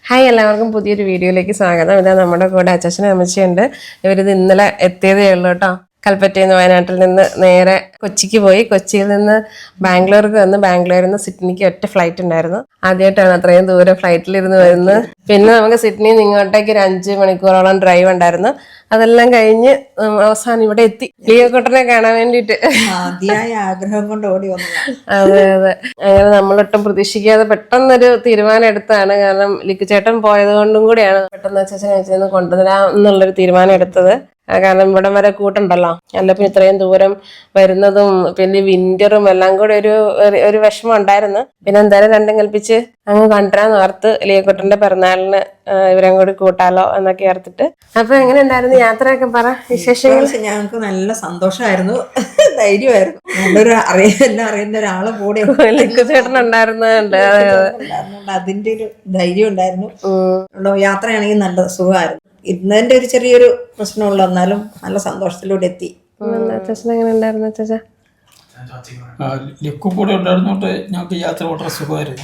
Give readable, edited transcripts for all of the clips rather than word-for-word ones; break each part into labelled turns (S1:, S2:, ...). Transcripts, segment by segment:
S1: Hi, എല്ലാവർക്കും പുതിയൊരു വീഡിയോയിലേക്ക് സ്വാഗതം. ഇതാ നമ്മുടെ കൂടെ അച്ഛനും അമ്മച്ചിയുണ്ട്. ഇവരിത് ഇന്നലെ എത്തിയതേ ഉള്ളൂ കേട്ടോ. കൽപ്പറ്റയിൽ നിന്ന് വയനാട്ടിൽ നിന്ന് നേരെ കൊച്ചിക്ക് പോയി. കൊച്ചിയിൽ നിന്ന് ബാംഗ്ലൂർക്ക് വന്ന് ബാംഗ്ലൂരിൽ നിന്ന് സിഡ്നിക്ക് ഒറ്റ ഫ്ലൈറ്റ് ഉണ്ടായിരുന്നു. ആദ്യമായിട്ടാണ് അത്രയും ദൂരം ഫ്ലൈറ്റിലിരുന്ന് വരുന്നത്. പിന്നെ നമുക്ക് സിഡ്നിയിൽ നിന്ന് ഇങ്ങോട്ടേക്ക് ഒരു 5 മണിക്കൂറോളം ഡ്രൈവ് ഉണ്ടായിരുന്നു. അതെല്ലാം കഴിഞ്ഞ് അവസാനം ഇവിടെ എത്തി, ലിയോക്കുട്ടനെ കാണാൻ വേണ്ടിയിട്ട്.
S2: ആഗ്രഹം കൊണ്ട് ഓടി വന്നു.
S1: അതെ അതെ, അങ്ങനെ നമ്മളൊട്ടും പ്രതീക്ഷിക്കാതെ പെട്ടെന്നൊരു തീരുമാനം എടുത്താണ്. കാരണം ലിക്കുചേട്ടൻ പോയത് കൊണ്ടും കൂടിയാണ് പെട്ടെന്ന് അച്ഛനെ കൊണ്ടുവരാം എന്നുള്ളൊരു തീരുമാനം എടുത്തത്. കാരണം ഇവിടം വരെ കൂട്ടുണ്ടല്ലോ, അല്ലപ്പോൾ ഇത്രയും ദൂരം വരുന്നതും പിന്നെ വിന്ററും എല്ലാം കൂടെ ഒരു വിഷമം ഉണ്ടായിരുന്നു. പിന്നെ എന്തായാലും രണ്ടും കൽപ്പിച്ച് അങ്ങ് കണ്ടുവരാന്ന് ഓർത്ത് ലിയോക്കുട്ടന്റെ പിറന്നാളിന് ഇവരും കൂടി കൂട്ടാലോ എന്നൊക്കെ ഓർത്തിട്ട്. അപ്പൊ എങ്ങനെ ഉണ്ടായിരുന്നു യാത്രയൊക്കെ, പറ വിശേഷങ്ങൾ.
S2: ഞങ്ങൾക്ക് നല്ല സന്തോഷമായിരുന്നു, ധൈര്യമായിരുന്നു. നല്ലൊരു എല്ലാം അറിയുന്ന ഒരാളെ കൂടെ
S1: ലിക്കുചേട്ടൻ ഉണ്ടായിരുന്നുണ്ട്.
S2: അതിന്റെ ഒരു ധൈര്യം ഉണ്ടായിരുന്നു. യാത്രയാണെങ്കിൽ നല്ല സുഖമായിരുന്നു. ഇന്നതിന്റെ ഒരു ചെറിയൊരു പ്രശ്നമുള്ള, എന്നാലും നല്ല സന്തോഷത്തിലൂടെ എത്തി.
S1: എങ്ങനെ ഉണ്ടായിരുന്നു അച്ഛാ?
S3: ലിക്കു കൂടെ ഉണ്ടായിരുന്നോണ്ട് ഞങ്ങൾക്ക് യാത്ര വളരെ സുഖമായിരുന്നു.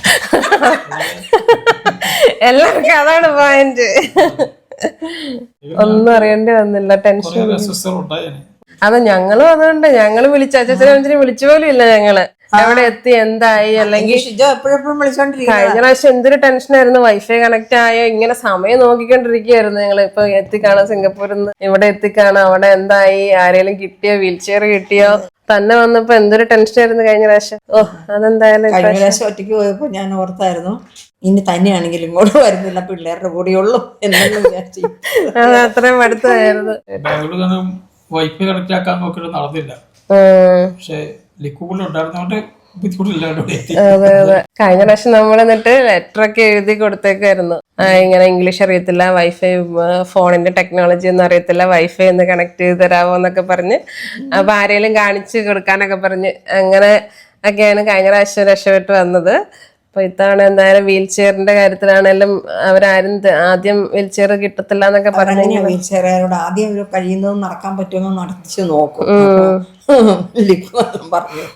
S1: എല്ലാവർക്കും അതാണ് പോയിന്റ്. ഒന്നും അറിയേണ്ടി വന്നില്ല, ടെൻഷൻ. അത് ഞങ്ങളും അതുകൊണ്ട് ഞങ്ങള് അച്ഛനെ വിളിച്ചു പോലും ഇല്ല. ഞങ്ങള് എവിടെ എത്തി, എന്തായി, അല്ലെങ്കിൽ
S2: എപ്പോഴെപ്പോഴും വിളിച്ചോണ്ടിരിക്കും.
S1: കഴിഞ്ഞ പ്രാവശ്യം എന്തൊരു ടെൻഷനായിരുന്നു. വൈഫൈ കണക്ട് ആയോ, ഇങ്ങനെ സമയം നോക്കിക്കൊണ്ടിരിക്കുകയായിരുന്നു ഞങ്ങള്. ഇപ്പൊ എത്തിക്കാണോ സിംഗപ്പൂരിൽ നിന്ന്, ഇവിടെ എത്തിക്കാണോ, അവിടെ എന്തായി, ആരെങ്കിലും കിട്ടിയോ, വീൽ ചെയർ കിട്ടിയോ, തന്നെ വന്നപ്പോ എന്തൊരു ടെൻഷനായിരുന്നു കഴിഞ്ഞ പ്രാവശ്യം. അതെന്തായാലും
S2: കഴിഞ്ഞ പ്രാവശ്യം ഒറ്റയ്ക്ക് പോയപ്പോ ഞാൻ ഓർത്തായിരുന്നു, ഇനി തന്നെയാണെങ്കിലും ഇങ്ങോട്ട് വരുന്നില്ല, പിള്ളേരുടെ കൂടെയുള്ളൂ എന്നെല്ലാം വിചാരിച്ചു.
S1: അത് അത്രയും അടുത്തായിരുന്നു.
S3: വൈഫൈ കണക്ട് ആക്കാൻ നോക്കിയിട്ട് നടന്നില്ല. പക്ഷെ ലിക്കൂടെ ഉണ്ടായിരുന്നോണ്ട് ബുദ്ധിമുട്ടില്ലാണ്ട്.
S1: അതെ അതെ, കഴിഞ്ഞ പ്രാവശ്യം നമ്മൾ എന്നിട്ട് ലെറ്റർ ഒക്കെ എഴുതി കൊടുത്തേക്കായിരുന്നു. ഇങ്ങനെ ഇംഗ്ലീഷ് അറിയത്തില്ല, വൈഫൈ ഫോണിന്റെ ടെക്നോളജി ഒന്നും അറിയത്തില്ല, വൈഫൈ ഒന്ന് കണക്ട് ചെയ്ത് തരാമോ എന്നൊക്കെ പറഞ്ഞ്, അപ്പൊ ആരെങ്കിലും കാണിച്ചു കൊടുക്കാനൊക്കെ പറഞ്ഞ് അങ്ങനെ ഒക്കെയാണ് കഴിഞ്ഞ പ്രാവശ്യം രക്ഷപ്പെട്ട് വന്നത്. അപ്പൊ ഇത്തവണ എന്തായാലും വീൽ ചെയറിന്റെ കാര്യത്തിലാണെങ്കിലും അവരാരും ആദ്യം വീൽ ചെയർ കിട്ടത്തില്ല എന്നൊക്കെ പറഞ്ഞു.
S2: വീൽ ചെയറോട് ആദ്യം കഴിയുന്നത് നടക്കാൻ പറ്റുമോ നടത്തിച്ചു നോക്കും പറഞ്ഞു.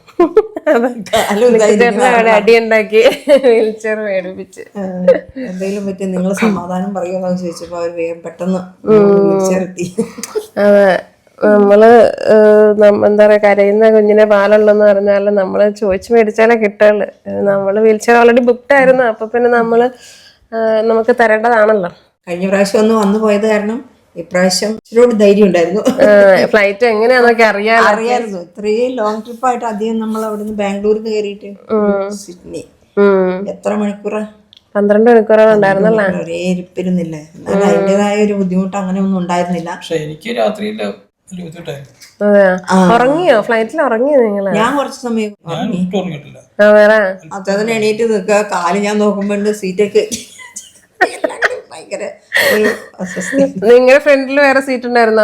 S1: അടിയുണ്ടാക്കി വീൽ ചെയർ മേടിപ്പിച്ച്.
S2: എന്തെങ്കിലും പറ്റി നിങ്ങൾ സമാധാനം പറയുമോ ചോദിച്ചപ്പോ അവര് വേഗം പെട്ടെന്ന് വീൽ ചെയർ എത്തി.
S1: അതെ, നമ്മള് എന്താ പറയാ, കരയുന്ന കുഞ്ഞിനെ പാലുള്ളെന്ന് പറഞ്ഞാല് നമ്മള് ചോദിച്ചു മേടിച്ചാലേ കിട്ടുള്ളു. നമ്മള് വീൽ ചെയർ ഓൾറെഡി ബുക്ക്ഡ് ആയിരുന്നു. അപ്പൊ പിന്നെ നമുക്ക് തരേണ്ടതാണല്ലോ.
S2: കഴിഞ്ഞ പ്രാവശ്യം ഒന്ന് വന്നു പോയത് കാരണം ഇപ്രാവശ്യം ഇച്ചിരി ധൈര്യം ഉണ്ടായിരുന്നു.
S1: ഫ്ലൈറ്റ് എങ്ങനെയാന്നൊക്കെ
S2: അറിയായിരുന്നു. ഇത്രയും ലോങ് ട്രിപ്പായിട്ട് അധികം നമ്മൾ അവിടുന്ന് ബാംഗ്ലൂരിൽ കയറിയിട്ട് സിഡ്നി എത്ര മണിക്കൂറാ?
S1: 12 മണിക്കൂറോളം ഉണ്ടായിരുന്നല്ലേ.
S2: ഒരേ ഇരിപ്പിരുന്നില്ലേ. എന്നാലും അതിൻ്റെതായ ഒരു ബുദ്ധിമുട്ട് അങ്ങനെ ഒന്നും ഉണ്ടായിരുന്നില്ല.
S3: പക്ഷെ എനിക്ക് രാത്രിയില്
S1: ഉറങ്ങിയോ? ഫ്ലൈറ്റിൽ ഉറങ്ങിയോ നിങ്ങള്?
S2: ഞാൻ കുറച്ച് സമയം
S3: ഉറങ്ങിയിട്ടില്ല.
S2: അതിന് എണീറ്റ് നിൽക്കുക, കാല് ഞാൻ നോക്കുമ്പോ സീറ്റൊക്കെ ഭയങ്കര ഒരു അസ്വസ്ഥ.
S1: നിങ്ങളുടെ ഫ്രണ്ടിൽ വേറെ സീറ്റ് ഉണ്ടായിരുന്നോ?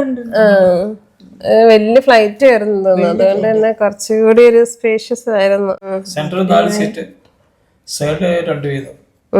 S1: വലിയ ഫ്ലൈറ്റ് ആയിരുന്നു തോന്നുന്നു, അതുകൊണ്ട് തന്നെ കുറച്ചുകൂടി ഒരു സ്പേഷ്യസ് ആയിരുന്നു.
S3: സെൻട്രൽ 4 സീറ്റ്, സൈഡ് 2 വീതം.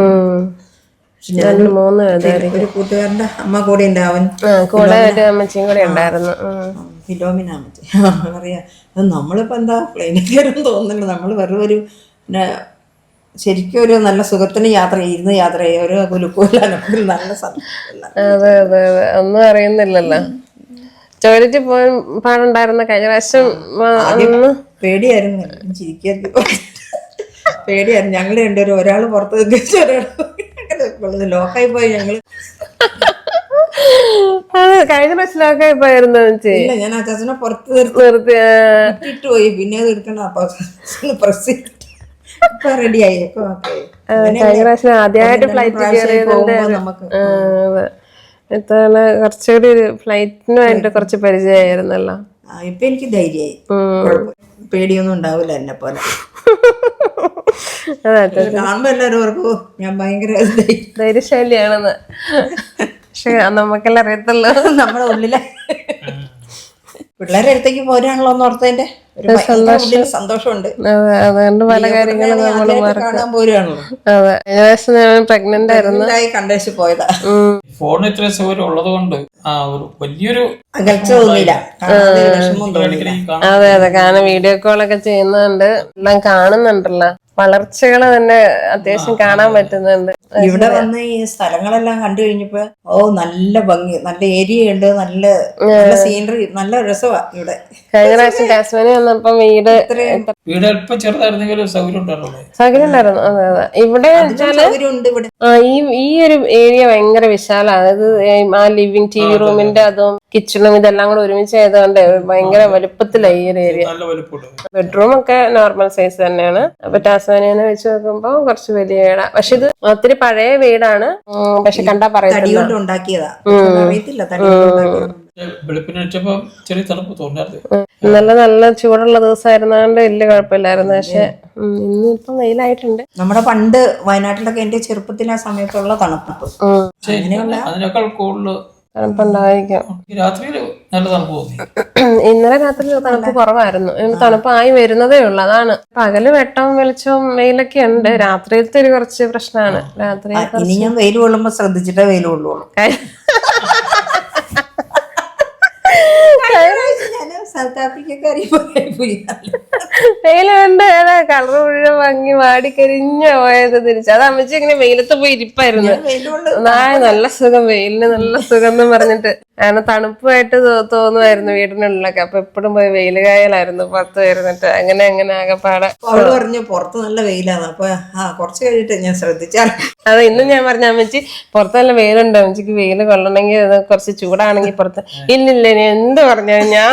S1: 3
S2: ഒരു കൂട്ടുകാരന്റെ അമ്മ കൂടെ ഉണ്ട്, അവൻ
S1: കൂടെ ഒരു അമ്മച്ചിയും കൂടെ ഉണ്ടായിരുന്നു.
S2: ഫിലോമിന അമ്മച്ചി പറയാ, നമ്മളിപ്പോ എന്താ പ്ലെയിനിൽ കയറും തോന്നുന്നുണ്ട്. നമ്മൾ വെറും ഒരു പിന്നെ ശരിക്കും ഒരു നല്ല സുഖത്തിന് യാത്ര ചെയ്യുക, ഒരു കുലുക്കൂലാണ് നല്ല സന്തോഷം.
S1: അതെ അതെ അതെ, ഒന്നും അറിയുന്നില്ലല്ലോ. ടോയ്ലറ്റിൽ പോകാൻ പാടുണ്ടായിരുന്ന കഴിഞ്ഞ പ്രാവശ്യം
S2: പേടിയായിരുന്നു. ചിരിക്കായിരുന്നു, പേടിയായിരുന്നു. ഞങ്ങൾ രണ്ടുപേരും, ഒരാള് പുറത്ത് നിൽക്കുക, ഒരാൾ ലോക്കായി പോയി. ഞങ്ങള്
S1: കഴിഞ്ഞ പ്രാവശ്യം ലോക്കായി പോയിരുന്നു.
S2: ഇല്ല, ഞാൻ അച്ചാച്ചനെ പുറത്ത് നിർത്തിയിട്ട് പോയി. പിന്നെ അത് എടുക്കണ്ട, അപ്പൊ പ്രസ് ചെയ്തിട്ട് ഇപ്പൊ റെഡിയായി.
S1: കഴിഞ്ഞ പ്രാവശ്യം ആദ്യമായിട്ട് ഫ്ലൈറ്റ് കയറിയതുകൊണ്ട് ഇത്തവണ കുറച്ചുകൂടി ഒരു ഫ്ലൈറ്റിനുമായിട്ട് കുറച്ച് പരിചയമായിരുന്നല്ലോ.
S2: ഇപ്പൊ എനിക്ക് ധൈര്യമായി, പേടിയൊന്നും ഉണ്ടാവില്ല എന്നെ പോലെ. കാണുമ്പോ എല്ലാവരും ഓർക്കും ഞാൻ ഭയങ്കര
S1: ധൈര്യശാലിയാണെന്ന്. പക്ഷെ നമുക്കെല്ലാം അറിയത്തുള്ളൂ
S2: നമ്മുടെ ഉള്ളിലെ പിള്ളേരെ അടുത്തേക്ക് പോരാണല്ലോ എന്ന് ഓർത്തതിന്റെ സന്തോഷമുണ്ട്.
S1: അതുകൊണ്ട് പല കാര്യങ്ങളും
S2: കാണാൻ പോരുകയാണല്ലോ.
S1: അതെ, പ്രഗ്നന്റ് ആയിരുന്നു,
S2: കണ്ടേച്ച് പോയതാ.
S3: ഫോൺ ഇത്ര സൗകര്യം ഉള്ളത് കൊണ്ട് വലിയൊരു
S2: അകൽച്ച തോന്നിയില്ല.
S1: അതെ അതെ, കാരണം വീഡിയോ കോളൊക്കെ ചെയ്യുന്നുണ്ട്, എല്ലാം കാണുന്നുണ്ടല്ലോ. വളർച്ചകൾ തന്നെ അത്യാവശ്യം കാണാൻ പറ്റുന്നുണ്ട്.
S2: ഇവിടെ വന്ന് ഈ സ്ഥലങ്ങളെല്ലാം കണ്ടു കഴിഞ്ഞപ്പോ നല്ല ഭംഗി, നല്ല ഏരിയ ഉണ്ട്, നല്ല സീനറി, നല്ല രസമാ ഇവിടെ.
S1: കഴിഞ്ഞ പ്രാവശ്യം ടാസ്മാനിയ വന്നപ്പോ വീട്
S3: അല്പം ചെറുതായിരുന്നെങ്കിലും സൗകര്യം ഉണ്ടായിരുന്നു.
S1: സൗകര്യം ഉണ്ടായിരുന്നു. അതെ അതെ. ഇവിടെ
S2: സൗകര്യം ഉണ്ട് ഇവിടെ.
S1: ഈ ഒരു ഏരിയ ഭയങ്കര വിശാലമാണ്. അതായത് ആ ലിവിങ് ടി വി റൂമിന്റെ അതും കിച്ചണും ഇതെല്ലാം കൂടെ ഒരുമിച്ച് ആയതുകൊണ്ട് ഭയങ്കര വലുപ്പത്തിലായി ഈ ഒരു ഏരിയ.
S3: നല്ല വലുപ്പമുണ്ട്.
S1: ബെഡ്റൂം ഒക്കെ നോർമൽ സൈസ് തന്നെയാണ്. അപ്പൊ ടാസ്മാനിയനെ വെച്ച് നോക്കുമ്പോ കുറച്ച് വലിയ വീടാ. പക്ഷെ ഇത് ഒത്തിരി പഴയ വീടാണ്. പക്ഷെ കണ്ടാ പറയത്തില്ല
S3: വെളുപ്പിന് വെച്ചപ്പോ ചെറിയ തണുപ്പ് തോന്നാറ്.
S1: നല്ല ചൂടുള്ള ദിവസമായിരുന്നോണ്ട് വലിയ കുഴപ്പമില്ലായിരുന്നു. പക്ഷെ ഇന്നിപ്പം വെയിലായിട്ടുണ്ട്.
S2: നമ്മുടെ പണ്ട് വയനാട്ടിലൊക്കെ എന്റെ ചെറുപ്പത്തിൽ ആ സമയത്തുള്ള തണുപ്പ്
S3: അതിനേക്കാൾ കൂടുതൽ
S1: തണുപ്പുണ്ടായിരിക്കും.
S3: രാത്രിയില് നല്ല തണുപ്പ് തോന്നി.
S1: ഇന്നലെ രാത്രി തണുപ്പ് കുറവായിരുന്നു. തണുപ്പായി വരുന്നതേ ഉള്ളു. അതാണ് പകല് വെട്ടവും വെളിച്ചവും വെയിലൊക്കെ ഉണ്ട്. രാത്രിയിലത്തെ ഒരു കുറച്ച് പ്രശ്നമാണ്. രാത്രി
S2: ഇനി ഞാൻ വെയിൽ കൊള്ളുമ്പോ ശ്രദ്ധിച്ചിട്ടേ വെയിൽ കൊള്ളുള്ളൂ. സൗത്ത് ആഫ്രിക്കക്കാരി
S1: വെയില് കണ്ട് കളർ മുഴുവൻ ഭംഗി വാടിക്കരിഞ്ഞ പോയത് തിരിച്ച്. അത് അമ്മച്ചി ഇങ്ങനെ വെയിലത്ത് പോയി ഇരിപ്പായിരുന്നു. നല്ല സുഖം, വെയിലിന് നല്ല സുഖം എന്ന് പറഞ്ഞിട്ട്. കാരണം തണുപ്പായിട്ട് തോന്നുമായിരുന്നു വീടിനുള്ളിലൊക്കെ. അപ്പൊ എപ്പോഴും പോയി വെയിൽ കായലായിരുന്നു പുറത്ത് വരുന്നിട്ട്. അങ്ങനെ ആകെപ്പാടെ
S2: അവള് പറഞ്ഞു പുറത്ത് നല്ല വെയിലാണ്. അപ്പൊ കുറച്ച് കഴിഞ്ഞിട്ട് ഞാൻ ശ്രദ്ധിച്ചാൽ
S1: അതെ. ഇന്നും ഞാൻ പറഞ്ഞ അമ്മച്ചി പുറത്ത് നല്ല വെയിലുണ്ട്, അമ്മച്ചിക്ക് വെയിൽ കൊള്ളണമെങ്കിൽ അത് കുറച്ച് ചൂടാണെങ്കിൽ പുറത്ത്. ഇല്ലില്ല നീ എന്ത് പറഞ്ഞാലും ഞാൻ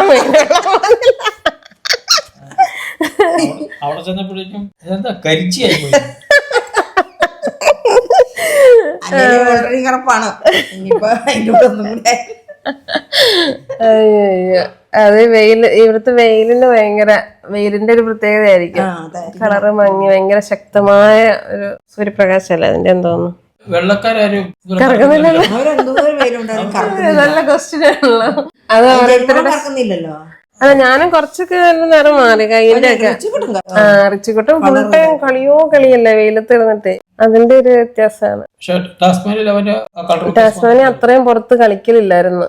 S3: അവിടെ ചെന്നപ്പോഴേക്കും എന്താ കരിച്ചിയായി പോയി.
S2: ഓൾറെഡി കിടപ്പാണ്. ഇനിയിപ്പോ അതിന്റെ കൂടെ ഒന്നും കൂടെ
S1: അയ്യോ. അത് ഇവിടുത്തെ വെയിലിന് വെയിലിന്റെ ഒരു പ്രത്യേകതയായിരിക്കും. കളറ് മങ്ങി ഭയങ്കര ശക്തമായ ഒരു സൂര്യപ്രകാശല്ലേ അതിന്റെ തോന്നുന്നു.
S3: വെള്ളക്കാരും
S1: കറക്കുന്നില്ലല്ലോ. നല്ല ക്വസ്റ്റ്യൻ ആണല്ലോ അത്.
S2: കറക്കുന്നില്ലല്ലോ.
S1: അതെ, ഞാനും കുറച്ചൊക്കെ നിറം മാറി കയ്യിന്റെ ഒക്കെ. റിച്ചിക്കുട്ടും ഫുൾ ടൈം കളിയല്ലേ വെയിലത്ത് കിടന്നിട്ട്. അതിന്റെ ഒരു വ്യത്യാസമാണ്. ടാസ്മാനിയ അത്രയും പുറത്ത് കളിക്കലില്ലായിരുന്നു.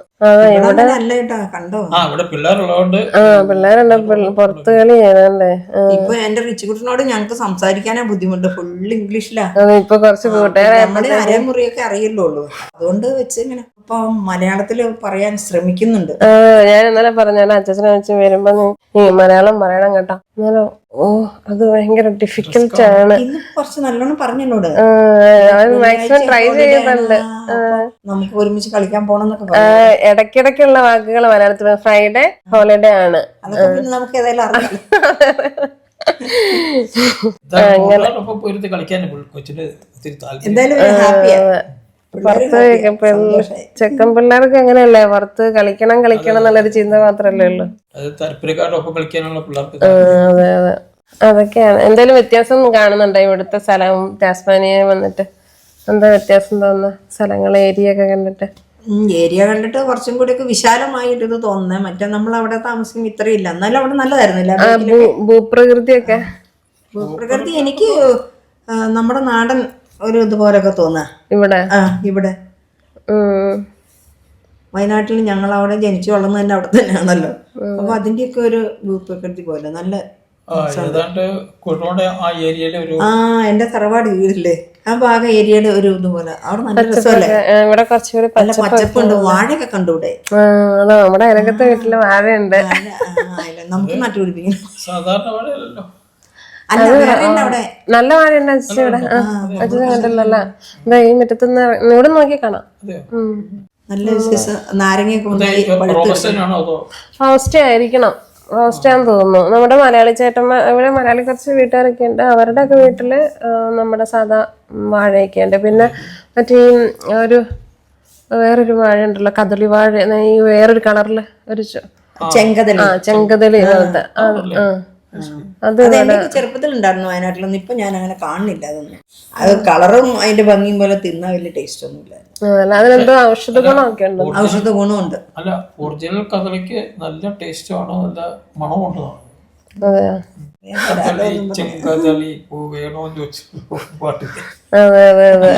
S3: ഇവിടെ പിള്ളേരുള്ളതുകൊണ്ട്
S1: പിള്ളേരുണ്ട് പുറത്ത് കളി ചെയ്തല്ലേ.
S2: ഇപ്പൊ എന്റെ റിച്ചിക്കുട്ടിനോട് ഞങ്ങക്ക് സംസാരിക്കാനേ ബുദ്ധിമുട്ട്, ഫുൾ ഇംഗ്ലീഷിലാ.
S1: ഇപ്പൊ കുറച്ച് കൂട്ടുകാരെ
S2: അരമുറിയൊക്കെ അറിയുള്ളൂ. അതുകൊണ്ട് വെച്ച് ഇങ്ങനെ ഇപ്പൊ മലയാളത്തില് പറയാൻ ശ്രമിക്കുന്നുണ്ട്.
S1: ഞാൻ ഇന്നലെ പറഞ്ഞാലും അച്ഛനെ വെച്ച് വരുമ്പോ നീ മലയാളം പറയണം കേട്ടോ. എന്നാലോ അത് ഭയങ്കര ഡിഫിക്കൽട്ട് ആണ്.
S2: കുറച്ച് നല്ലോണം പറഞ്ഞോട്.
S1: മാക്സിമം ട്രൈ ചെയ്യുന്നുണ്ട്.
S2: നമുക്ക് ഒരുമിച്ച് കളിക്കാൻ പോണെന്നൊക്കെ
S1: ഇടയ്ക്കിടയ്ക്കുള്ള വാക്കുകൾ മലയാളത്തിൽ. ഫ്രൈഡേ ഹോളിഡേ ആണ്.
S2: അതൊക്കെ പിന്നെ നമുക്ക് ഏതായാലും അറിയാം. എന്തായാലും ഹാപ്പിയാ.
S1: പുറത്ത് ചെക്കൻ പിള്ളേർക്ക് അങ്ങനെയല്ലേ, പുറത്ത് കളിക്കണം എന്നുള്ളൊരു ചിന്ത മാത്രല്ലേ ഉള്ളു. അതെ അതെ, അതൊക്കെയാണ്. എന്തായാലും വ്യത്യാസം കാണുന്നുണ്ടോ ഇവിടുത്തെ സ്ഥലവും ടാസ്മാനിയ വന്നിട്ട്? എന്താ വ്യത്യാസം തോന്നുന്ന സ്ഥലങ്ങൾ, ഏരിയ ഒക്കെ കണ്ടിട്ട്?
S2: ഏരിയ കണ്ടിട്ട് കുറച്ചും കൂടി ഒക്കെ വിശാലമായിട്ട് ഇത് തോന്നുന്നേ. മറ്റേ നമ്മൾ അവിടെ താമസിക്കും ഇത്രയില്ല. എന്നാലും അവിടെ നല്ലതായിരുന്നില്ല.
S1: ഭൂപ്രകൃതിയൊക്കെ
S2: ഭൂപ്രകൃതി എനിക്ക് നമ്മുടെ നാടൻ ഒരു ഇതുപോലൊക്കെ തോന്നാ ഇവിടെ വയനാട്ടിൽ. ഞങ്ങൾ അവിടെ ജനിച്ചു വളർന്നു തന്നെ അവിടെ തന്നെയാണല്ലോ. അപ്പൊ അതിന്റെയൊക്കെ ഒരു ഭൂപ്രകൃതി പോലെ നല്ല എന്റെ തറവാട് വീടില്ലേ ആ ഭാഗം ഏരിയയുടെ ഒരു ഇതുപോലെ അവിടെ നല്ല രസമല്ലേ.
S1: ഇവിടെ കുറച്ചുകൂടി
S2: നല്ല പച്ചപ്പുണ്ട്. വാഴയൊക്കെ കണ്ടുകൂടെ?
S1: നമ്മുടെ അയലക്കത്തെ വീട്ടില് വാഴയുണ്ട്.
S2: നമുക്ക് നട്ടുപിടിപ്പിക്കണം.
S1: നല്ല വാഴയുണ്ട് അച്ഛൻ ഇവിടെ. അച്ഛൻ കണ്ടില്ലല്ലോ. എന്താ ഈ മുറ്റത്തുനിന്ന് ഇവിടെ നോക്കി കാണാം.
S2: നല്ല നാരങ്ങയൊക്കെ
S1: റോസ്റ്റ് ആയിരിക്കണം. റോസ്റ്റാന്ന് തോന്നുന്നു. നമ്മുടെ മലയാളി ചേട്ടന്മാർ ഇവിടെ, മലയാളി കുറച്ച് വീട്ടുകാരൊക്കെ ഉണ്ട്. അവരുടെ ഒക്കെ വീട്ടില് നമ്മുടെ സാധാ വാഴയൊക്കെ ഉണ്ട്. പിന്നെ മറ്റേ വേറൊരു വാഴ ഉണ്ടല്ലോ, കദളി വാഴ, ഈ വേറൊരു കളറില് ഒരു ചെങ്കദളി പോലത്തെ.
S2: അത് ചെറുപ്പത്തിൽ ഉണ്ടായിരുന്നു വയനാട്ടിലൊന്നും. ഇപ്പൊ ഞാൻ അങ്ങനെ കാണുന്നില്ല അതൊന്നും. അത് കളറും അതിന്റെ ഭംഗിയും പോലെ തിന്നാൻ വലിയ ടേസ്റ്റ് ഒന്നും ഇല്ല.
S1: അതിനെന്തോ ഔഷധ ഗുണമൊക്കെ ഉണ്ട്.
S2: ഔഷധ ഗുണമുണ്ട്.
S3: അല്ല, ഒറിജിനൽ കദളിക്ക് നല്ല ടേസ്റ്റ് ആണോ, നല്ല മണമുണ്ട്.
S1: അതെ
S3: ചെങ്കദളി പൂ വേണോന്ന് ചോദിച്ചു പാട്ട്.
S1: അതെ അതെ അതെ.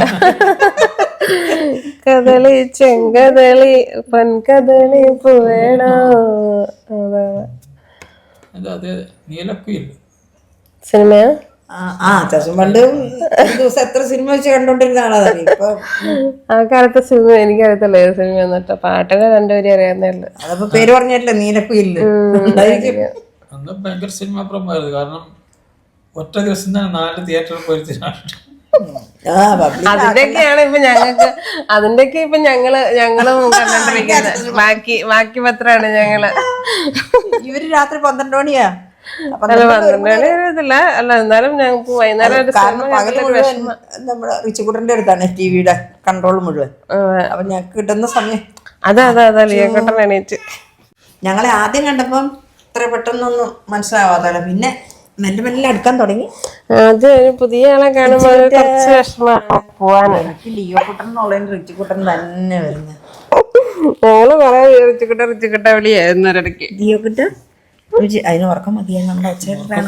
S1: കദളി ചെങ്കദളി പൊൻകദളി പൂ വേണോ. അതെ അതെ.
S3: അത് നീലക്കുയിൽ
S1: സിനിമയാ?
S2: അച്ചാച്ചൻ പണ്ട് ഒരു ദിവസം എത്ര സിനിമ വെച്ച് കണ്ടോണ്ടിരുന്ന ആളാണ്. ഇപ്പൊ
S1: ആ കാലത്തെ സിനിമ എനിക്കറിയത്തില്ല ഏത് സിനിമ എന്നിട്ട് പാട്ടിനെ രണ്ടുപേരും അറിയാവുന്നേ ഉള്ളു.
S2: അതപ്പോ പേര് പറഞ്ഞിട്ടില്ല, നീലക്കുയില് ഉണ്ടായിരിക്കും.
S3: അന്ന് ഭയങ്കര സിനിമ പ്രമായിരുന്നു. കാരണം ഒറ്റ ദിവസം തന്നെ 4 തിയേറ്ററിൽ പോയിരുത്തിനാണ്.
S1: അതിന്റെയൊക്കെയാണ് ഇപ്പൊ ഞങ്ങൾക്ക്, അതിന്റെയൊക്കെ ഇപ്പൊ ഞങ്ങളും കണ്ടോണ്ടിരിക്കുന്നത്. ബാക്കി പത്രമാണ് ഞങ്ങള്.
S2: ഇവര് രാത്രി 12 മണിയാ.
S1: അല്ല 12 മണി അറിയത്തില്ല. അല്ല എന്നാലും ഞങ്ങൾക്ക് വൈകുന്നേരം ഒരു
S2: കാരണം പകല് മുഴുവൻ നമ്മുടെ റിച്ചുകുട്ടന്റെ അടുത്താണ് ടിവിയുടെ കൺട്രോൾ മുഴുവൻ. അപ്പൊ ഞങ്ങൾക്ക് കിട്ടുന്ന സമയം
S1: അതാ ലിയോക്കട്ടൻ എണീറ്റ്.
S2: ഞങ്ങളെ ആദ്യം കണ്ടപ്പം ഇത്ര പെട്ടെന്നൊന്നും മനസ്സിലാവാത്തല്ല, പിന്നെ മെല്ലെ മെല്ലെ അടുക്കാൻ തുടങ്ങി.
S1: അത് ഒരു പുതിയ ആളെ കാണുമ്പോ കുറച്ച് വിഷമമാണ് പോവാന്.
S2: ലിയോക്കുട്ടൻ എന്നുള്ളതിന് റിച്ചുകുട്ടൻ തന്നെ വരുന്നത്.
S1: ഞങ്ങള് കൊറേ റിച്ചുകുട്ട വിളിയായിരുന്നു ഒരിടയ്ക്ക്.
S2: ലിയോക്കുട്ട അതിന് ഉറക്കം മതിയായി നമ്മുടെ അച്ഛനാണ്.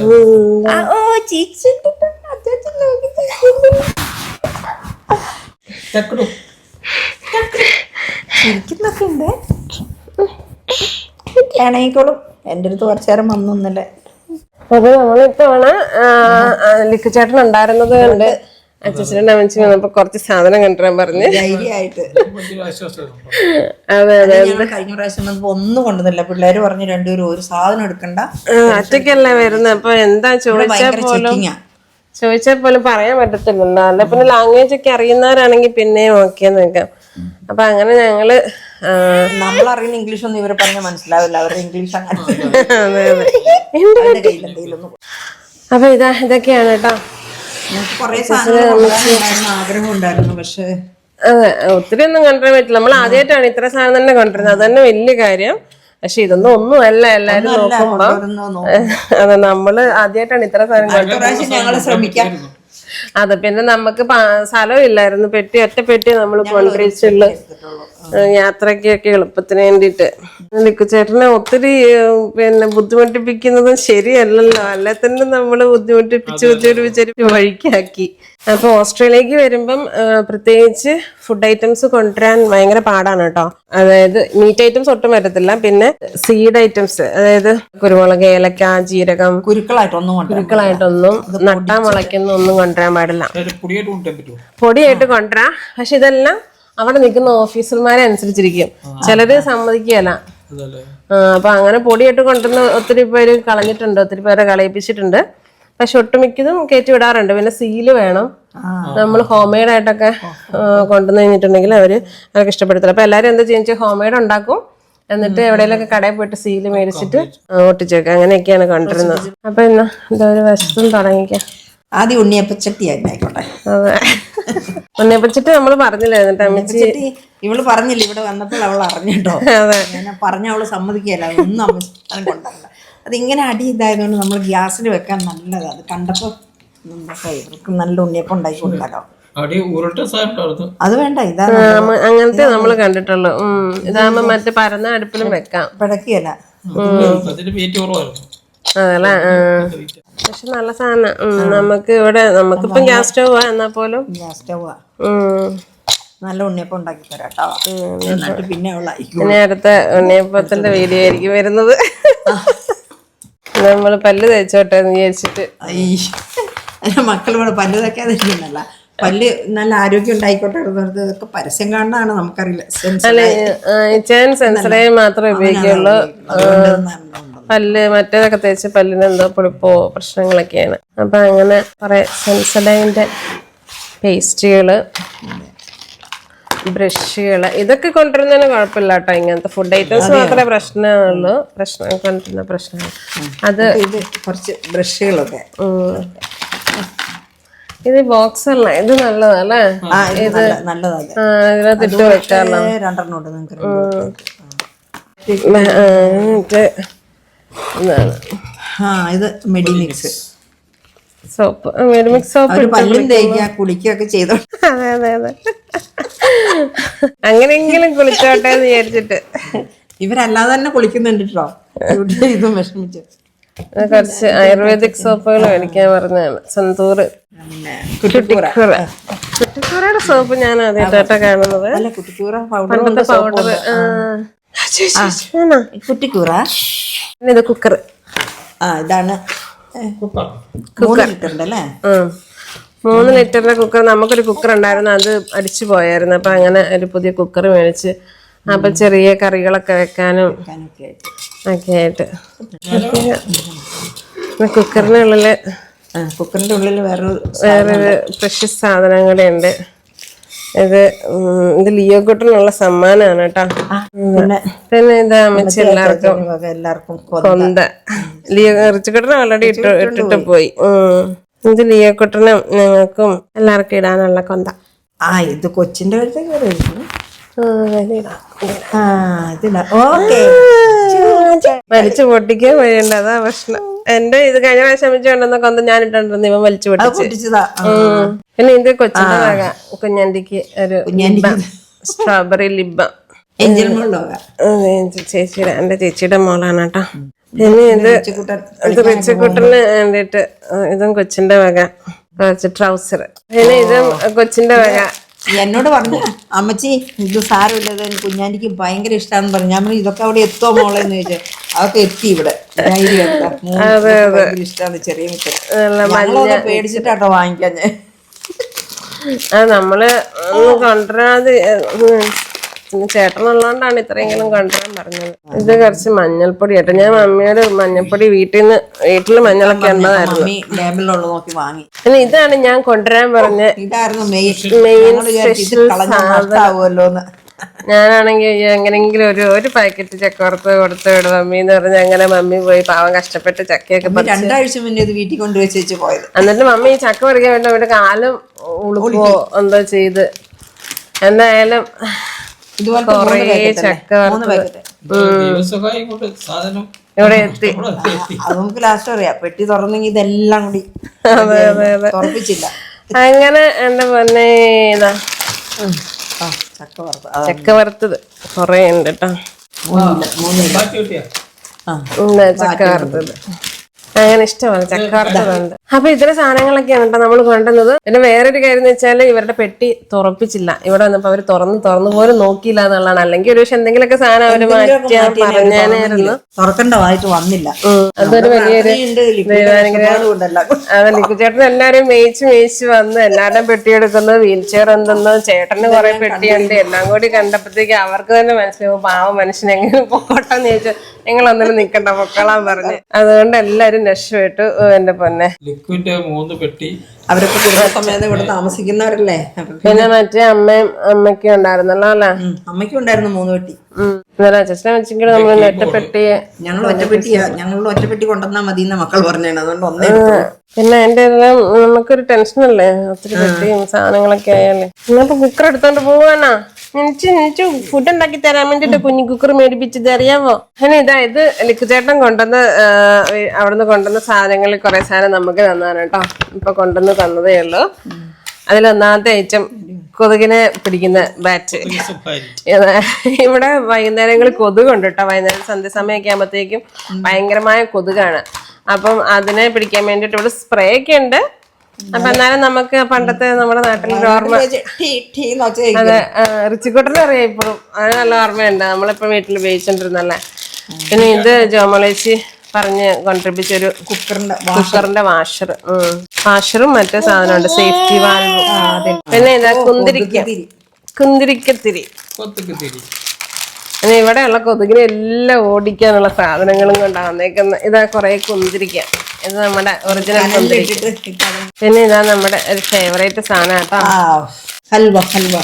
S2: ചിരിക്കുന്നൊക്കെ ഉണ്ട്. ഇണങ്ങിക്കോളും. എൻ്റെ അടുത്ത് കുറച്ചു നേരം വന്നൊന്നല്ലേ.
S1: അത് നമ്മളിത്തവണ ലിക്കുചേട്ടൻ ഉണ്ടായിരുന്നത് കൊണ്ട് അച്ഛനും അമ്മച്ചി വന്നപ്പോ കുറച്ച് സാധനം കൊണ്ടുവരാൻ പറഞ്ഞ്
S2: ധൈര്യമായിട്ട്.
S1: അതെ
S2: കഴിഞ്ഞ പ്രാവശ്യം വന്നപ്പോ ഒന്നും കൊണ്ടുവന്നില്ല. പിള്ളേര് പറഞ്ഞു രണ്ടുപേരും ഒരു സാധനം എടുക്കണ്ട,
S1: ഒറ്റയ്ക്കല്ലേ വരുന്നത്. അപ്പൊ എന്താ ചോദിച്ചാൽ പോലും പറയാൻ പറ്റത്തില്ലല്ലോ. അല്ല പിന്നെ ലാംഗ്വേജ് ഒക്കെ അറിയുന്നവരാണെങ്കിൽ പിന്നെയും ഓക്കെ നിൽക്കാം. അപ്പൊ അങ്ങനെ ഞങ്ങള്
S2: നമ്മളറിയുന്ന ഇംഗ്ലീഷ് ഒന്നും ഇവരെ പറഞ്ഞാൽ മനസ്സിലാവില്ല. അവരുടെ ഇംഗ്ലീഷ് അങ്ങനെ.
S1: അപ്പൊ ഇതൊക്കെയാണ് കേട്ടോ.
S2: കൊറേ സാധനങ്ങൾ ആഗ്രഹം ഉണ്ടായിരുന്നു. പക്ഷെ
S1: അതെ, ഒത്തിരി ഒന്നും കൊണ്ടുവരാൻ പറ്റില്ല. നമ്മൾ ആദ്യമായിട്ടാണ് ഇത്ര സാധനം തന്നെ കൊണ്ടുവരുന്നത്. അത് തന്നെ വലിയ കാര്യം. പക്ഷെ ഇതൊന്നും ഒന്നുമല്ല എല്ലാരും നോക്കുമ്പോ. അതെ, നമ്മള് ആദ്യമായിട്ടാണ് ഇത്ര സാധനം കൊണ്ടുവരുന്നത്.
S2: ഞങ്ങള് ശ്രമിക്കാം.
S1: അതെ, പിന്നെ നമുക്ക് സ്ഥലം ഇല്ലായിരുന്നു. ഒറ്റ പെട്ടി നമ്മൾ കൊണ്ടുവച്ചുള്ളു യാത്രക്കൊക്കെ എളുപ്പത്തിന് വേണ്ടിയിട്ട്. ലിക്കുചേട്ടനെ ഒത്തിരി പിന്നെ ബുദ്ധിമുട്ടിപ്പിക്കുന്നതും ശരിയല്ലല്ലോ. അല്ലെ തന്നെ നമ്മള് ബുദ്ധിമുട്ടിപ്പിച്ച് വഴിക്കാക്കി. അപ്പൊ ഓസ്ട്രേലിയക്ക് വരുമ്പം പ്രത്യേകിച്ച് ഫുഡ് ഐറ്റംസ് കൊണ്ടുവരാൻ ഭയങ്കര പാടാണ് കേട്ടോ. അതായത് മീറ്റ് ഐറ്റംസ് ഒട്ടും വരത്തില്ല. പിന്നെ സീഡ് ഐറ്റംസ്, അതായത് കുരുമുളക്, ഏലക്ക, ജീരകം, കുരുക്കളായിട്ടൊന്നും നട്ടാ മുളയ്ക്കുന്ന ഒന്നും കൊണ്ടുവരാൻ പാടില്ല. പൊടിയായിട്ട് കൊണ്ടുവരാം. പക്ഷെ ഇതെല്ലാം അവിടെ നിൽക്കുന്ന ഓഫീസർമാരെ അനുസരിച്ചിരിക്കും. ചിലര് സമ്മതിക്കുകയല്ല. അപ്പൊ അങ്ങനെ പൊടിയായിട്ട് കൊണ്ടുവന്ന് ഒത്തിരി പേര് കളഞ്ഞിട്ടുണ്ട്, ഒത്തിരി പേരെ കളയിപ്പിച്ചിട്ടുണ്ട്. പക്ഷെ ഒട്ടുമിക്കതും കയറ്റി വിടാറുണ്ട്. പിന്നെ സീല് വേണം. നമ്മൾ ഹോം മെയ്ഡ് ആയിട്ടൊക്കെ കൊണ്ടുവന്ന് കഴിഞ്ഞിട്ടുണ്ടെങ്കിൽ അവർക്ക് ഇഷ്ടപ്പെടത്തില്ല. അപ്പൊ എല്ലാവരും എന്താ ചെയ്യുക, ഹോം മെയ്ഡ് ഉണ്ടാക്കും. എന്നിട്ട് എവിടെയെങ്കിലൊക്കെ കടയിൽ പോയിട്ട് സീല് മേടിച്ചിട്ട് ഒട്ടിച്ചേക്കാം. അങ്ങനെയൊക്കെയാണ് കൊണ്ടുവരുന്നത്. അപ്പൊ എന്നാ എന്താ ഒരു വശത്തും തുടങ്ങിക്കാം.
S2: ആദ്യം ഉണ്ണിയപ്പച്ചട്ടി ആയിക്കോട്ടെ.
S1: അതെ, ഉണ്ണിയപ്പച്ചട്ടി നമ്മള് പറഞ്ഞില്ലായിരുന്നു. അമ്മച്ചി
S2: ഇവള് പറഞ്ഞില്ല, ഇവിടെ വന്നപ്പോൾ അവൾ അറിഞ്ഞിട്ടോ. ഞാൻ പറഞ്ഞ അവള് സമ്മതിക്കല്ല, ഒന്നും അമ്മ കൊണ്ടല്ല. അതിങ്ങനെ അടി ഇതായതുകൊണ്ട് നമ്മൾ ഗ്യാസിൽ വെക്കാൻ നല്ലതാണ്. അത് കണ്ടപ്പോ ഇവർക്ക് നല്ല ഉണ്ണിയപ്പം ഉണ്ടാക്കി കൊടുക്കാലോ. അത് വേണ്ട, ഇതാണ്
S1: അങ്ങനത്തെ നമ്മള് കണ്ടിട്ടുള്ളൂ. ഇതാകുമ്പോ മറ്റേ പരന്ന അടുപ്പിലും വെക്കാം,
S2: പിടക്കിയല്ല.
S1: അതല്ലേ. പക്ഷെ നല്ല സാധനം. നമുക്ക് ഇവിടെ നമുക്കിപ്പം ഗ്യാസ് സ്റ്റൗവാ. എന്നാ പോലും
S2: ഗ്യാസ് സ്റ്റൗവാ. നല്ല ഉണ്ണിയപ്പം ഉണ്ടാക്കി തരാട്ടോ. എന്നിട്ട് പിന്നെ
S1: പിന്നെ അടുത്ത ഉണ്ണിയപ്പത്തിന്റെ വീഡിയോ ആയിരിക്കും വരുന്നത്. നമ്മള് പല്ല് തേച്ചോട്ടെ എന്ന് വിചാരിച്ചിട്ട്.
S2: മക്കൾ ഇവിടെ പല്ല് തേക്കാതിരിക്കുന്നല്ല, പല്ല് നല്ല ആരോഗ്യം ഉണ്ടായിക്കോട്ടെ. ഇതൊക്കെ പരസ്യം കാണാനാണ്, നമുക്കറിയില്ല.
S1: സെൻസറൈൻ മാത്രമേ ഉപയോഗിക്കുള്ളൂ. പല്ല് മറ്റേതൊക്കെ തേച്ച് പല്ലിന് എന്തോ പൊളിപ്പോ പ്രശ്നങ്ങളൊക്കെയാണ്. അപ്പൊ അങ്ങനെ കുറെ സെൻസഡൈൻ്റെ പേസ്റ്റുകള്, ബ്രഷുകള്, ഇതൊക്കെ കൊണ്ടുവരുന്നതിന് കുഴപ്പമില്ല കേട്ടോ. ഇങ്ങനത്തെ ഫുഡ് ഐറ്റംസ് മാത്രമേ പ്രശ്നമുള്ളൂ. കൊണ്ടുവരുന്ന പ്രശ്നങ്ങൾ അത്
S2: കുറച്ച് ബ്രഷുകളൊക്കെ.
S1: ഇത് ബോക്സ് അല്ല, ഇത് നല്ലതല്ലേ. ഇത് ഇതിനകത്ത് ഇട്ട് വെക്കാമല്ലോ.
S2: 2 ഇത് മെഡിമിക്സ്
S1: സോപ്പ്, മെഡിമിക്സ് സോപ്പ്
S2: പല്ലും തേക്കുക കുളിക്കുകയൊക്കെ ചെയ്തോ.
S1: അതെ അതെ അതെ, അങ്ങനെയെങ്കിലും കുളിച്ചോട്ടെ എന്ന് വിചാരിച്ചിട്ട്.
S2: ഇവരല്ലാതെ തന്നെ കുളിക്കുന്നുണ്ട് കേട്ടോ. ഇതും വിഷമിച്ചു.
S1: കുറച്ച് ആയുർവേദിക് സോപ്പുകൾ മേടിക്കാൻ പറഞ്ഞാണ്. സന്തൂർ കുട്ടിക്കൂറയുടെ സോപ്പ് ഞാൻ ആദ്യമായിട്ടാ കാണുന്നത്. പണ്ടത്തെ പൗഡർ.
S2: കുട്ടിക്കൂറ.
S1: ഇത് കുക്കർ.
S2: ഇതാണ്
S3: കുക്കർ
S2: 3 ലിറ്ററിന്റെ അല്ലേ?
S1: 3 ലിറ്ററിന്റെ കുക്കർ. നമുക്കൊരു കുക്കർ ഉണ്ടായിരുന്നു, അത് അടിച്ചു പോയായിരുന്നു. അപ്പൊ അങ്ങനെ ഒരു പുതിയ കുക്കർ മേടിച്ച് അപ്പൊ ചെറിയ കറികളൊക്കെ വെക്കാനും ഒക്കെ ആയിട്ട്. കുക്കറിനുള്ളില്
S2: കുക്കറിന്റെ ഉള്ളിൽ
S1: വേറൊരു പ്രഷ്യസ് സാധനം കൂടെ ഉണ്ട്. ഇത് ലിയോ കുട്ടനുള്ള സമ്മാനമാണ് കേട്ടോ. പിന്നെ ഇതാ അമ്മച്ചി എല്ലാവർക്കും കൊന്ത. ലിയോ റിച്ചുകുട്ടനെ ഓൾറെഡി ഇട്ടിട്ട് പോയി. ഇത് ലിയോ കുട്ടനും ഞങ്ങൾക്കും എല്ലാവർക്കും ഇടാനുള്ള കൊന്ത.
S2: ഇത് കൊച്ചിന്റെ
S1: വലിച്ചു പൊട്ടിക്കാൻ വഴിയുണ്ട്, അതാ പ്രശ്നം. എന്റെ ഇത് കഴിഞ്ഞ പ്രാവശ്യം അമ്മച്ചി കൊണ്ടുവന്ന കൊന്ത ഞാൻ ഇട്ടോണ്ടിരുന്നു, ഇവൻ വലിച്ചു പൊട്ടിച്ചതാ. പിന്നെ ഇത് കൊച്ചിന്റെ വക കുഞ്ഞാണ്ടിക്ക് ഒരു സ്ട്രോബെറി ലിബം. ചേച്ചിയുടെ എന്റെ ചേച്ചിയുടെ മോളാണ് കേട്ടോ. പിന്നെ ഇത് റിച്ചുകുട്ടന് വേണ്ടിട്ട് ഇതും കൊച്ചിന്റെ വക കുറച്ച് ട്രൗസർ. പിന്നെ ഇതും കൊച്ചിന്റെ വക.
S2: എന്നോട് പറഞ്ഞു അമ്മച്ചി ഇത് സാരമില്ലത് കുഞ്ഞാണ്ടിക്ക് ഭയങ്കര ഇഷ്ടമാണെന്ന് പറഞ്ഞു. ഞാൻ പറഞ്ഞു ഇതൊക്കെ അവിടെ എത്തോ മോളെ എന്ന് ചോദിച്ചാൽ അതൊക്കെ എത്തി ഇവിടെ. ഭയങ്കര ഇഷ്ടമാണ് ചെറിയ മിച്ചർ. പേടിച്ചിട്ടാട്ടോ വാങ്ങിക്കാൻ ഞാൻ.
S1: നമ്മള് കൊണ്ടുവരാതെ ചേട്ടനുള്ളതുകൊണ്ടാണ് ഇത്രയെങ്കിലും കൊണ്ടുവരാൻ പറഞ്ഞത്. ഇത് കുറച്ച് മഞ്ഞൾപ്പൊടി കേട്ടോ. ഞാൻ മമ്മിയോട് മഞ്ഞൾപ്പൊടി വീട്ടില് മഞ്ഞളൊക്കെ ഉണ്ടതായിരുന്നു. പിന്നെ ഇതാണ് ഞാൻ കൊണ്ടുവരാൻ പറഞ്ഞ മെയിൻ സ്പെഷ്യൽ സാധനം. ഞാനാണെങ്കിൽ എങ്ങനെങ്കിലും ഒരു പാക്കറ്റ് ചക്ക വറുത്ത് കൊടുത്തു വിടും മമ്മി എന്ന് പറഞ്ഞ് അങ്ങനെ മമ്മി പോയി പാവം കഷ്ടപ്പെട്ട് ചക്കയൊക്കെ
S2: 2 ആഴ്ച മുന്നേ ഇത് വീട്ടിൽ കൊണ്ടുവച്ചു പോയത്.
S1: എന്നിട്ട് മമ്മി ഈ ചക്ക പറിക്കാൻ വേണ്ടി ഇവിടെ കാലും ഉളുപ്പോ എന്തോ ചെയ്ത് എന്തായാലും കൊറേ ചക്ക ഇവിടെ എത്തി.
S2: നമുക്ക് ലാസ്റ്റ് അറിയാം പെട്ടി തുറന്നെങ്കിൽ ഇതെല്ലാം കൂടി തുറപ്പിച്ചില്ല.
S1: അങ്ങനെ എന്റെ പൊന്നെ ഇതാ ചക്ക വറുത്തത് കൊറേ ഉണ്ട് കേട്ടോ. ചക്ക വറുത്തത് അങ്ങനെ ഇഷ്ടമാണ് ചക്ക വറുത്തതുണ്ട്. അപ്പൊ ഇത്തരം സാധനങ്ങളൊക്കെയാണ് കേട്ടോ നമ്മൾ കൊണ്ടുവന്നത്. പിന്നെ വേറൊരു കാര്യം എന്ന് വെച്ചാൽ ഇവരുടെ പെട്ടി തുറപ്പിച്ചില്ല. ഇവിടെ വന്നപ്പോ അവര് തുറന്നു പോലും നോക്കിയില്ല എന്നുള്ളതാണ്. അല്ലെങ്കിൽ ഒരു പക്ഷെ എന്തെങ്കിലുമൊക്കെ സാധനം അവര് മാറ്റിയാൽ പറഞ്ഞാനായിരുന്നു.
S2: തുറക്കണ്ടതായിട്ട് വന്നില്ല.
S1: അതൊരു വലിയൊരു അതെ. ലിക്കുചേട്ടൻ എല്ലാരും മേയിച്ച് വന്ന് എല്ലാവരുടെയും പെട്ടി എടുക്കുന്നത്, വീൽ ചെയർ എന്തെന്ന്, ചേട്ടന് കുറെ പെട്ടിയുണ്ട്. എല്ലാം കൂടി കണ്ടപ്പോഴത്തേക്ക് അവർക്ക് തന്നെ മനസ്സിലാവും പാവം മനുഷ്യൻ എങ്ങനെ പൊക്കോട്ടെന്ന് ചോദിച്ചു. നിങ്ങളൊന്നിനും നിക്കണ്ട പൊക്കളാൻ പറഞ്ഞ്. അതുകൊണ്ട് എല്ലാരും രക്ഷപ്പെട്ടു. എന്റെ പൊന്നെ
S3: ലിക്വിഡ് 3 പെട്ടി.
S2: അവരൊക്കെ കുടുംബസമേതം ഇവിടെ താമസിക്കുന്നവരല്ലേ.
S1: പിന്നെ മറ്റേ അമ്മയ്ക്കും ഉണ്ടായിരുന്നല്ലോ അല്ലെ?
S2: അമ്മയ്ക്കും ഉണ്ടായിരുന്നു 3 പെട്ടി.
S1: അച്ഛനെ വെച്ചെങ്കിലും നമ്മൾ ഒറ്റപ്പെട്ടി
S2: ഞങ്ങളുടെ ഒറ്റപ്പെട്ടി കൊണ്ടുവന്നാൽ മതി എന്ന മക്കൾ പറഞ്ഞാണ്. അതുകൊണ്ട് ഒന്നേ.
S1: പിന്നെ എന്റെ എല്ലാം നമുക്കൊരു ടെൻഷനല്ലേ, ഒത്തിരി പെട്ടിയും സാധനങ്ങളൊക്കെ ആയാലേ. ഇന്നിപ്പോ കുക്കർ എടുത്തോണ്ട് പോവാനാ എനിക്ക് ഫുഡ് ഉണ്ടാക്കി തരാൻ വേണ്ടിട്ട് കുഞ്ഞു കുക്കർ മേടിപ്പിച്ചത് അറിയാമോ? അങ്ങനെ ഇത് ലിക്കുചേട്ടൻ കൊണ്ടുവന്ന് അവിടുന്ന് കൊണ്ടുവന്ന സാധനങ്ങളിൽ കുറെ സാധനം നമുക്ക് തന്നാണ് കേട്ടോ. ഇപ്പൊ കൊണ്ടുവന്ന് തന്നതേ ഉള്ളൂ. അതിലൊന്നാമത്തെ ഐറ്റം കൊതുകിനെ പിടിക്കുന്ന ബാറ്റ്. ഇവിടെ വൈകുന്നേരങ്ങളിൽ കൊതുകുണ്ട് കേട്ടോ. വൈകുന്നേരം സന്ധ്യാസമയമൊക്കെ ആകുമ്പോഴത്തേക്കും ഭയങ്കരമായ കൊതുകാണ്. അപ്പം അതിനെ പിടിക്കാൻ വേണ്ടിട്ട് ഇവിടെ സ്പ്രേ ഒക്കെ ഉണ്ട്. അപ്പൊ എന്നാലും നമുക്ക് പണ്ടത്തെ നമ്മുടെ നാട്ടിലൊരു ഓർമ്മ. അതെ, റിച്ചിക്കുട്ടനെ അറിയാം ഇപ്പോഴും. അത് നല്ല ഓർമ്മയുണ്ട്. നമ്മളിപ്പോ വീട്ടിൽ ഉപയോഗിച്ചോണ്ടിരുന്നല്ലേ. പിന്നെ ഇത് ജോമളേച്ചി പറഞ്ഞ് കൊണ്ടിരിപ്പിച്ചൊരു കുക്കറിന്റെ വാഷറും മറ്റേ സാധനമുണ്ട്, സേഫ്റ്റി വാൽവും. പിന്നെ ഇതാ കുന്തിരിക്കത്തിരി. പിന്നെ ഇവിടെയുള്ള കൊതുകിനെ എല്ലാം ഓടിക്കാനുള്ള സാധനങ്ങളും കൊണ്ടാണ് വന്നേക്കുന്നത്. ഇതാ കുറെ കുന്തിരിക്ക. ഇത് നമ്മുടെ ഒറിജിനൽ കുന്തിരിക്ക. പിന്നെ ഇതാ നമ്മുടെ ഒരു ഫേവറേറ്റ് സാധനം കേട്ടോ,
S2: ഹൽവ.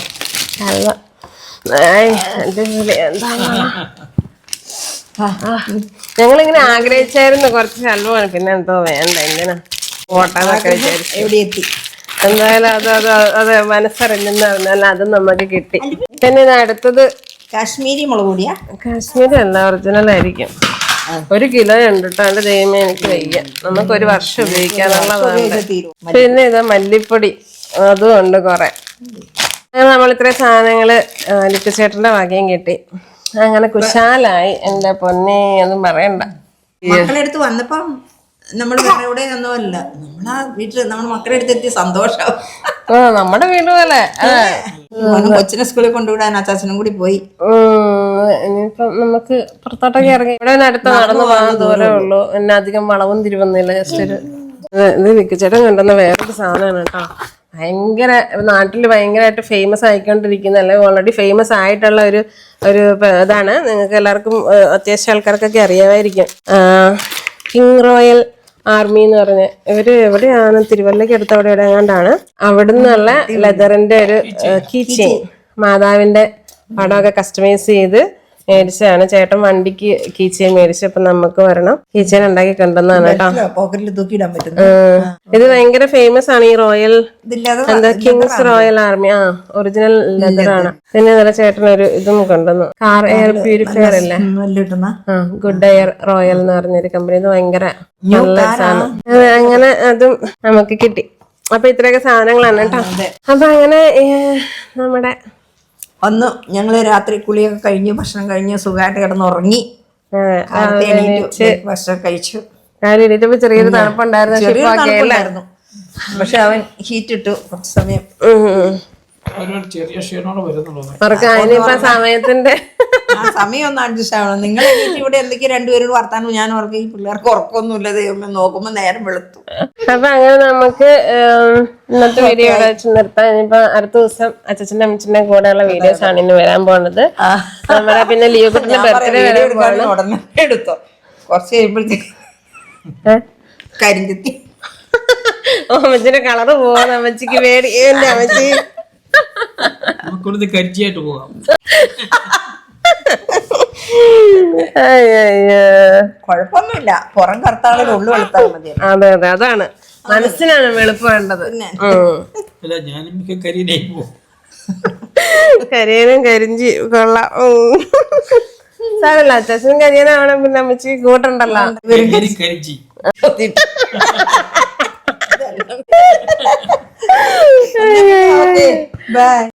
S1: ഞങ്ങളിങ്ങനെ ആഗ്രഹിച്ചായിരുന്നു കുറച്ച് ഹൽവ. പിന്നെ എന്തോ വേണ്ട, എന്തിനാ ഓട്ടാന്നൊക്കെ വിചാരിച്ചു. എന്തായാലും അത് മനസ്സറിഞ്ഞെന്ന് പറഞ്ഞാൽ അതും നമുക്ക് കിട്ടി. പിന്നെ ഇത് അടുത്തത്
S2: കാശ്മീരി മുളക് പൊടിയാ.
S1: കാശ്മീരി അല്ല, ഒറിജിനൽ ആയിരിക്കും. 1 കിലോ ഉണ്ട് കേട്ടോ. എന്റെ ദൈവമേ എനിക്ക് വയ്യ. നമുക്ക് 1 വർഷം ഉപയോഗിക്കാനുള്ളതാണ്. പിന്നെ ഇത് മല്ലിപ്പൊടി, അതും ഉണ്ട് കുറെ. അങ്ങനെ നമ്മൾ ഇത്രയും സാധനങ്ങള് ലിക്കുചേട്ടന്റെ വകയും കിട്ടി. അങ്ങനെ കുശാലായി. എന്റെ പൊന്നെ ഒന്നും പറയണ്ട.
S2: മക്കളെടുത്ത് വന്നപ്പം നമ്മൾ വേറെ എവിടെ ഒന്നുമല്ല, നമ്മളാ വീട്ടില് നമ്മുടെ മക്കളെ അടുത്ത് എത്തിയ സന്തോഷം.
S1: നമ്മുടെ വീട് പോലെ
S2: കൊച്ചിനെ സ്കൂളിൽ കൊണ്ടുവിടാൻ അച്ചാച്ചനും കൂടി പോയി.
S1: ഇനിയിപ്പം നമുക്ക് പുറത്തോട്ടൊക്കെ ഇറങ്ങി ഇവിടെ അടുത്ത് നടന്നു പോകാൻ ദൂരമേ ഉള്ളൂ. പിന്നെ അധികം വളവും തിരിവൊന്നുമില്ല. ജസ്റ്റ് ഒരു ഇത് വിക്കിച്ചേട്ടൻ കണ്ടെന്ന വേറൊരു സാധനമാണ് കേട്ടോ. ഭയങ്കര നാട്ടിൽ ഭയങ്കരമായിട്ട് ഫേമസ് ആയിക്കൊണ്ടിരിക്കുന്ന, അല്ലെങ്കിൽ ഓൾറെഡി ഫേമസ് ആയിട്ടുള്ള ഒരു ഇതാണ്. നിങ്ങൾക്ക് എല്ലാവർക്കും അത്യാവശ്യം ആൾക്കാർക്കൊക്കെ അറിയാമായിരിക്കും. കിങ് റോയൽ ആർമി എന്ന് പറഞ്ഞ് ഇവര് എവിടെയാണ്, തിരുവല്ലയ്ക്ക് അടുത്ത് അവിടെ എവിടെ എങ്ങാണ്ടാണ്. അവിടെ നിന്നുള്ള ലെതറിന്റെ ഒരു കീ ചെയിൻ, മാതാവിന്റെ പടമൊക്കെ കസ്റ്റമൈസ് ചെയ്ത് മേടിച്ചതാണ്. ചേട്ടൻ വണ്ടിക്ക് കീ ചെയിൻ മേടിച്ചപ്പോ നമുക്ക് വരണം കീ ചെയിൻ ഉണ്ടാക്കി കണ്ടെന്നാണ് കേട്ടോ.
S2: പോക്കറ്റിൽ തൂക്കിയിടാൻ പറ്റും.
S1: ഇത് ഭയങ്കര ഫേമസ് ആണ് ഈ റോയൽ
S2: ഇതില്ലാതെ
S1: എന്താ കിങ്സ് റോയൽ ആർമി. ഒറിജിനൽ ലെതറാണ്. പിന്നെ നല്ല ചേട്ടൻ ഒരു ഇതും കൊണ്ടുവന്നു, കാർ എയർ പ്യൂരിഫയർ അല്ലേ,
S2: കിട്ടുന്ന
S1: ഗുഡ് എയർ റോയൽ എന്ന് പറഞ്ഞൊരു കമ്പനി. ഇത് ഭയങ്കര നല്ല സാധനം. അങ്ങനെ അതും നമുക്ക് കിട്ടി. അപ്പൊ ഇത്രയൊക്കെ സാധനങ്ങളാണ് കേട്ടോ. അപ്പൊ അങ്ങനെ നമ്മുടെ
S2: വന്നു. ഞങ്ങള് രാത്രി കുളിയൊക്കെ കഴിഞ്ഞ് ഭക്ഷണം കഴിഞ്ഞ് സുഖമായിട്ട് കിടന്നുറങ്ങി. ഭക്ഷണം കഴിച്ചു.
S1: രാവിലെ എണീറ്റപ്പോ ചെറിയൊരു തണുപ്പുണ്ടായിരുന്നു.
S2: പക്ഷെ അവൻ ഹീറ്റ് ഇട്ടു കുറച്ച് സമയം.
S3: ചെറിയ ക്ഷീണോടെ വരുന്നുള്ളൂ.
S1: അവർക്ക് അതിനിപ്പോ സമയത്തിന്റെ
S2: സമയം ഒന്ന് അഡ്ജസ്റ്റ് ആവണം. നിങ്ങൾ ഇവിടെ എന്തൊക്കെ രണ്ടുപേരും വർത്താനം. ഞാൻ ഓർക്കും ഈ പിള്ളേർക്ക് ഉറക്കമൊന്നുമില്ല, ദൈവമേ നോക്കുമ്പോ നേരം വെളുത്തു.
S1: അപ്പൊ അങ്ങനെ നമുക്ക് ഇന്നത്തെ വീഡിയോ ഇവിടെ വെച്ച് നിർത്താം. ഇനിയിപ്പോ അടുത്ത ദിവസം അച്ഛന്റെ അമ്മച്ചിന്റെ കൂടെയുള്ള വീഡിയോസ് ആണ് ഇനി വരാൻ പോണത്. നമ്മുടെ പിന്നെ ലീവ് കുട്ടിന്റെ ബർത്ത്ഡേ വരാൻ പോകണം.
S2: ഉടനെ എടുത്തോ, കുറച്ച് കഴിയുമ്പോഴത്തേക്ക് കരിഞ്ചെത്തി
S1: അമ്മച്ചിന്റെ കളറ് പോവാണ്. അമ്മച്ചിക്ക് പേടി. എന്റെ അമ്മച്ചി
S3: നമുക്കൊരു കരിച്ചിയായിട്ട് പോകാം.
S2: കുഴപ്പമൊന്നുമില്ല, പുറം കറുത്താളിൽ ഉള്ളു വെളുത്താൽ മതി.
S1: അതെ അതെ, അതാണ് മനസ്സിനാണ് വെളുപ്പ് വേണ്ടത്.
S3: അല്ല ഞാനും കരിയനായി പോകും.
S1: കരിയനും കരിഞ്ചി കൊള്ളാം. സാരല്ല, അച്ഛനും കരിയനാവണം. പിന്നെ അമ്മച്ചി കൂട്ടുണ്ടല്ലോ.
S3: കരിഞ്ചി
S2: ബൈ.